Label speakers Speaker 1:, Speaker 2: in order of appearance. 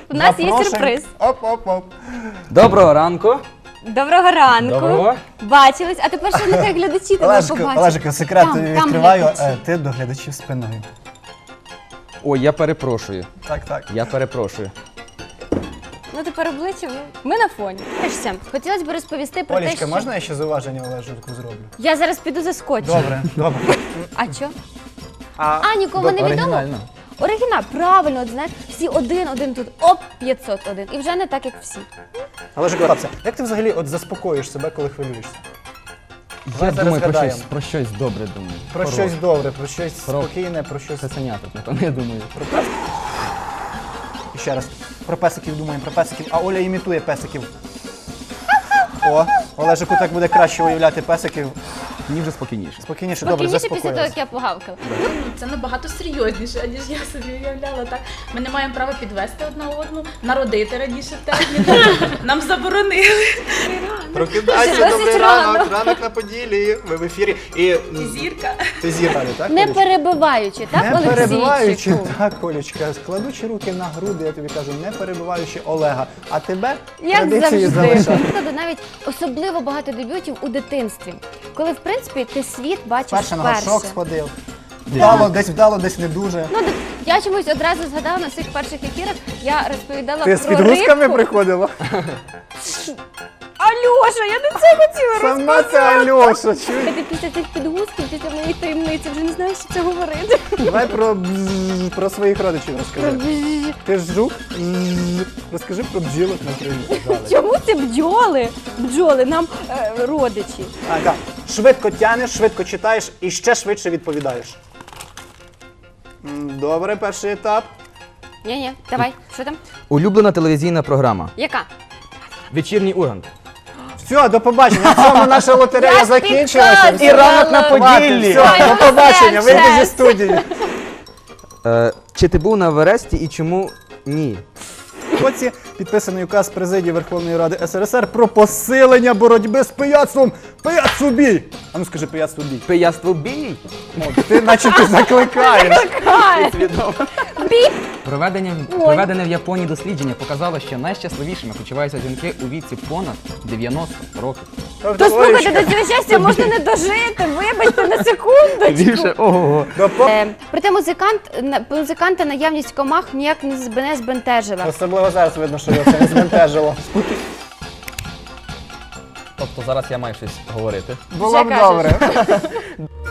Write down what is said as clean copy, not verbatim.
Speaker 1: У нас є сюрприз.
Speaker 2: Оп-оп-оп.
Speaker 3: Доброго ранку.
Speaker 1: Доброго ранку.
Speaker 3: Доброго.
Speaker 1: Бачились, а тепер ще нехай глядачі тебе побачать.
Speaker 2: Олежику, секрет
Speaker 1: Там
Speaker 2: відкриваю,
Speaker 1: глядачі.
Speaker 2: ти до глядачів спиною.
Speaker 3: Ой, я перепрошую.
Speaker 2: Так.
Speaker 3: Я перепрошую.
Speaker 1: Ну тепер обличчя, ми на фоні. Все, хотілося б розповісти про те,
Speaker 2: Олечка,
Speaker 1: що...
Speaker 2: можна я ще зауваження Олежику зроблю?
Speaker 1: Я зараз піду заскочу.
Speaker 2: Добре.
Speaker 1: А що?
Speaker 2: А
Speaker 1: А, нікому не відомо?
Speaker 3: Оригінально.
Speaker 1: Оригінал, правильно, от знаєш, всі один тут, оп, 501. І вже не так, як всі.
Speaker 2: Олежику, як ти взагалі от заспокоюєш себе, коли хвилюєшся?
Speaker 3: Я
Speaker 2: Давай зараз
Speaker 3: думаю
Speaker 2: згадаємо.
Speaker 3: про щось добре думаю.
Speaker 2: Про щось добре, про щось
Speaker 3: Про-
Speaker 2: спокійне, про щось...
Speaker 3: Цуценяток, напевно, я думаю.
Speaker 2: Про песиків. І ще раз. Про песиків думаємо, про песиків. А Оля імітує песиків. О, Олежику так буде краще уявляти песиків.
Speaker 3: Мені вже спокійніше.
Speaker 2: Спокійніше, добре,
Speaker 1: Спокійніше після того,
Speaker 2: заспокоїлась.
Speaker 1: як я погавкала.
Speaker 4: Це набагато серйозніше, ніж я собі уявляла. Так, ми не маємо права підвести одна одну, народити раніше терміну. Нам заборонили.
Speaker 2: Прокидайся,
Speaker 1: Досить
Speaker 2: добрий
Speaker 1: рано.
Speaker 2: ранок, ранок на Поділлі. Ви в ефірі. І
Speaker 4: Зірка.
Speaker 2: ти зірка, так?
Speaker 1: Не
Speaker 2: Олечка?
Speaker 1: перебиваючи, так,
Speaker 2: Не перебиваючи,
Speaker 1: Олексійчику?
Speaker 2: так, Олечка, складучи руки на груди, я тобі кажу, не перебиваючи Олега. А тебе
Speaker 1: Як
Speaker 2: традиції
Speaker 1: завжди.
Speaker 2: залишати.
Speaker 1: Тобто навіть особливо багато дебютів у дитинстві, коли, в принципі, ти світ бачиш
Speaker 2: Перше на
Speaker 1: вперше.
Speaker 2: горшок сходив. Вдало, десь не дуже.
Speaker 1: Ну, я чомусь одразу згадала на своїх перших ефірах, я розповідала
Speaker 2: Ти з
Speaker 1: про
Speaker 2: підгузками
Speaker 1: рибку.
Speaker 2: приходила?
Speaker 1: Альоша, я не це хотіла
Speaker 2: Сама це Альоша, чуєш?
Speaker 1: Ти після цих підгузків, після моєї таємниці вже не знаєш, що це говорити.
Speaker 2: Давай про своїх родичів розкажи. Ти ж жук? Розкажи про бджілок, наприклад.
Speaker 1: Чому це бджоли? Бджоли, нам родичі.
Speaker 2: Так. Швидко тянеш, швидко читаєш і ще швидше відповідаєш. Добре, перший етап.
Speaker 1: Ні, давай, що там?
Speaker 3: Улюблена телевізійна програма.
Speaker 1: Яка?
Speaker 3: Вечірній Ургант.
Speaker 2: Все, до побачення. На цьому наша лотерея
Speaker 1: Я
Speaker 2: закінчилася.
Speaker 1: підказувала.
Speaker 2: І ранок на Поділлі. Все,
Speaker 1: Ой,
Speaker 2: до побачення,
Speaker 1: все,
Speaker 2: вийди зі
Speaker 1: все.
Speaker 2: студії.
Speaker 3: Чи ти був на Евересті і чому ні?
Speaker 2: Оці підписаний указ президії Верховної Ради СРСР про посилення боротьби з пияцтвом. Пияцтво бій! А ну скажи, пияцтво бій.
Speaker 3: Пияство бій.
Speaker 2: Ти наче ти закликаєш.
Speaker 1: Біп!
Speaker 3: Проведене в Японії дослідження показало, що найщасливішими почуваються жінки у віці понад 90 років.
Speaker 1: То слухайте, до цього щастя можна не дожити, вибачте на секундочку.
Speaker 3: Більше, ого.
Speaker 1: Проте музиканта наявність комах ніяк не збентежила.
Speaker 2: Особливо зараз видно, що його це не збентежило.
Speaker 3: Тобто зараз я маю щось говорити.
Speaker 2: Було б
Speaker 1: кажеш.
Speaker 2: добре.